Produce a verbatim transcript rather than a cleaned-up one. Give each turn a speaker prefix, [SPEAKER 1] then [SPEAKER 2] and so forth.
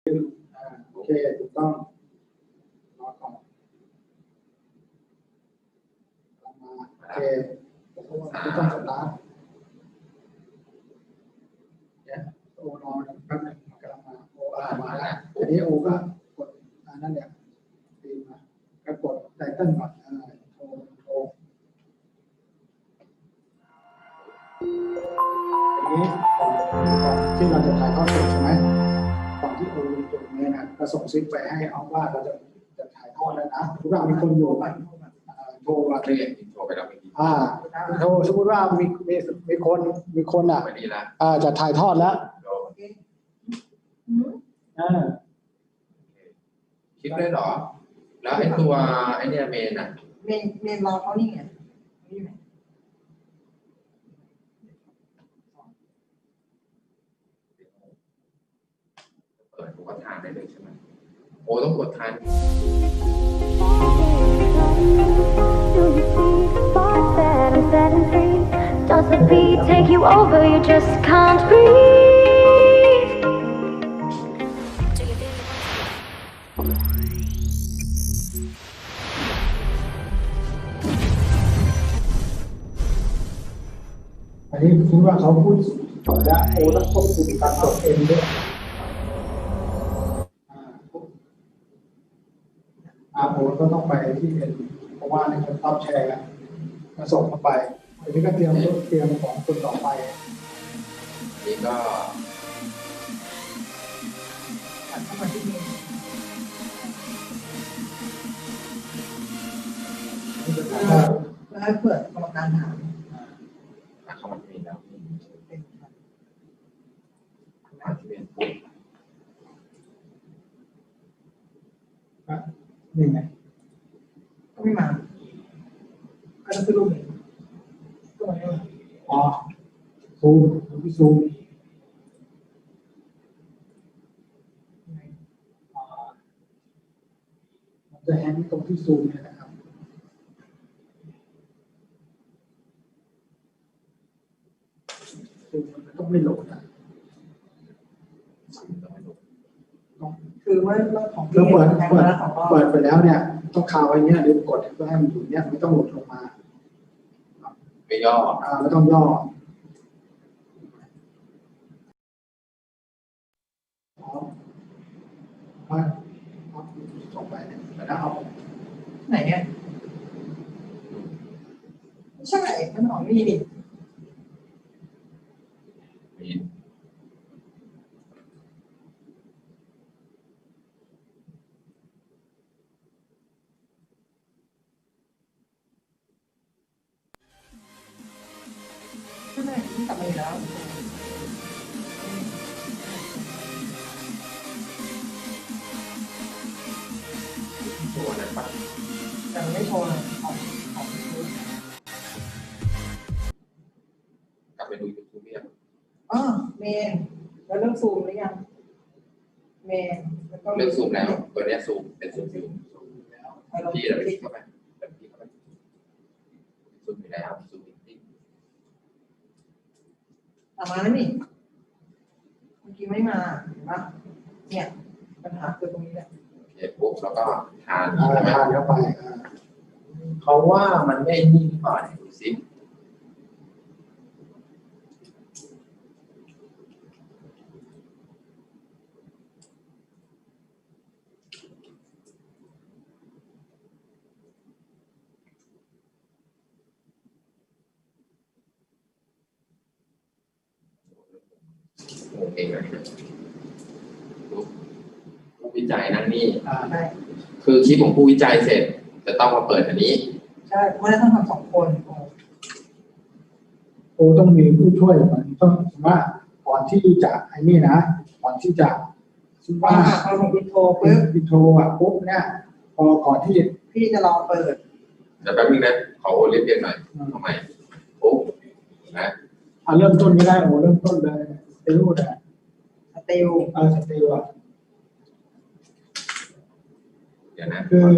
[SPEAKER 1] โอเคถูกต้องรอก่อนมาโอเคไม่ต้องสตาร์ทเนี่ยโอรอแป๊บนึงกำลังมาโออ่ามาแล้วทีนี้โอก็กดอันนั้นเนี่ยตีมาก็กดไตเติ้ลก่อนอ่าโทรโทรทีนี้ก่อนก่อนที่เราจะถ่ายทอดสดใช่ไหมก่อนที่โอจะจบเนี่ยนะก็ส่งซิกไปให้เอาว่าเราจะจะถ่ายทอดแล้วนะทุกอย่างมีคนอยู่กันโทรมา
[SPEAKER 2] ไม่เรียนโทรไปแล้วเมื่อกี้
[SPEAKER 1] อ่าโทรสมมติว่ามีมีมีคนมีคนอ่ะ
[SPEAKER 2] ไม่ดีละ
[SPEAKER 1] อ่าจะถ่ายทอดแล้วอ่า
[SPEAKER 2] คลิปได้เหรอ แล้วไอ้ตัวไอ้เนี่ยเมนอ่ะ
[SPEAKER 3] เมนเมนรอเขานี่ไงนี่ไหม
[SPEAKER 2] เปิดผมก็ทานได้เลยใช่ไหมโอ้ต้องกดทาน
[SPEAKER 4] Does the beat take you over? You just can't breathe. Do you feel it?
[SPEAKER 1] อันนี้คิดว่าเขาพูดจบแล้วโอ้ต้องควบคุมการกดเองด้วยอ่าอ่าโอ้ก็ต้องไปที่เอ็นเพราะว่าในคนรับแชร์กันมาส่งเข้าไปอันนี้ก็เตรียมเตรียมของคนต่อไป
[SPEAKER 2] นี่ก็
[SPEAKER 3] หันเข้ามาที่เมน
[SPEAKER 1] นี่จะถามว่า
[SPEAKER 3] แล้วให้เปิดกรรมการถาม
[SPEAKER 2] อ่ะเข้ามาที่เมนแล้ว
[SPEAKER 3] เป็น
[SPEAKER 2] มาที่เมนปุ๊บ
[SPEAKER 1] อ่ะนี่ไง
[SPEAKER 3] ก็ไม่มาก็ต้องขึ้นรูปเมนก็มาไม่มา
[SPEAKER 1] อ๋อซูมพี่ซูมอ่ามันจะแฮนด์ตรงที่ซูมเนี่ยนะครับซูมมันต้องไม่โหลดอ่ะต้อง
[SPEAKER 3] คือว่าเรื่องของ
[SPEAKER 1] แล้วเปิด
[SPEAKER 3] แทง
[SPEAKER 1] เปิด
[SPEAKER 3] มาแล้วของรอบ
[SPEAKER 1] เปิดไปแล้วเนี่ยต้องคาไว้เนี้ยหรือกดเพื่อให้มันอยู่เนี้ยไม่ต้องหลุดลงมา
[SPEAKER 2] ไปย่อ
[SPEAKER 1] อ่าไม่ต้องย่อพร้อมมาเอาส่งไปเนี่ยแล้วเอา
[SPEAKER 3] ไหนเนี่ยไม่ใช่มันของนี่ดิ
[SPEAKER 2] มี
[SPEAKER 3] ใช่ไหมที่กลับมาอยู่แล้ว
[SPEAKER 2] ตัวนั้นปะ
[SPEAKER 3] แต่มันไม่โชว์เลยของของ
[SPEAKER 2] กลับไปดูยูทูบเนี่ย
[SPEAKER 3] อ๋อเมนแล้วเรื่องซูมหรือยังเมนแล้วก็
[SPEAKER 2] เรื่องซูมแล้ว ตัวเนี้ยซูมเป็นซูมอยู่
[SPEAKER 3] ให้เรา
[SPEAKER 2] พี่เราไปคลิกเข้าไปแบบพี่เข้าไปซูมอยู่แล้วซูมจริง
[SPEAKER 3] ตามมาแล้วนี่เมื่อกี้ไม่มาเห็นปะเนี่ยปัญหาคือตรงนี้แหละ
[SPEAKER 2] โอเคปุ๊บแล้วก็ทาน
[SPEAKER 1] อ่า
[SPEAKER 2] ใช่ไหม
[SPEAKER 1] ทานเข้าไปอ่า
[SPEAKER 2] เขาว่ามันไม่นิ่งหรือเปล่าเนี่ยดูสิโอเคเลยปุ๊บผู้วิจัยนั่นนี่
[SPEAKER 1] อ่า
[SPEAKER 3] ใช่
[SPEAKER 2] คือคลิปของผู้วิจัยเสร็จ จะต้องมาเปิดอันนี้
[SPEAKER 3] ใช่เพราะฉะนั้นต้องทำสองคนโอ้
[SPEAKER 1] โอ้ต้องมีผู้ช่วยก่อนต้องว่าก่อนที่จะไอ้นี่นะก่อนที่จะซึ่ง
[SPEAKER 3] ว่า
[SPEAKER 1] ว่า
[SPEAKER 3] พอผมอินโทร
[SPEAKER 1] ปึ๊
[SPEAKER 3] ปุ๊
[SPEAKER 1] บบ อินโทรอ่ะปุ๊บเนี่ยพอก่อนที่
[SPEAKER 3] พี่จะลองเปิด
[SPEAKER 2] เดี๋ยวแป๊บนึงนะขอโอเลียนเรียนหน่อยทำไมปุ๊บนะ
[SPEAKER 1] อ่าเริ่มต้นไม่ได้โอ้เริ่มต้นเลยไปรู้นะ
[SPEAKER 3] สติล
[SPEAKER 1] เออสติลอ่ะ
[SPEAKER 2] เดี๋ยวนะ
[SPEAKER 1] คือ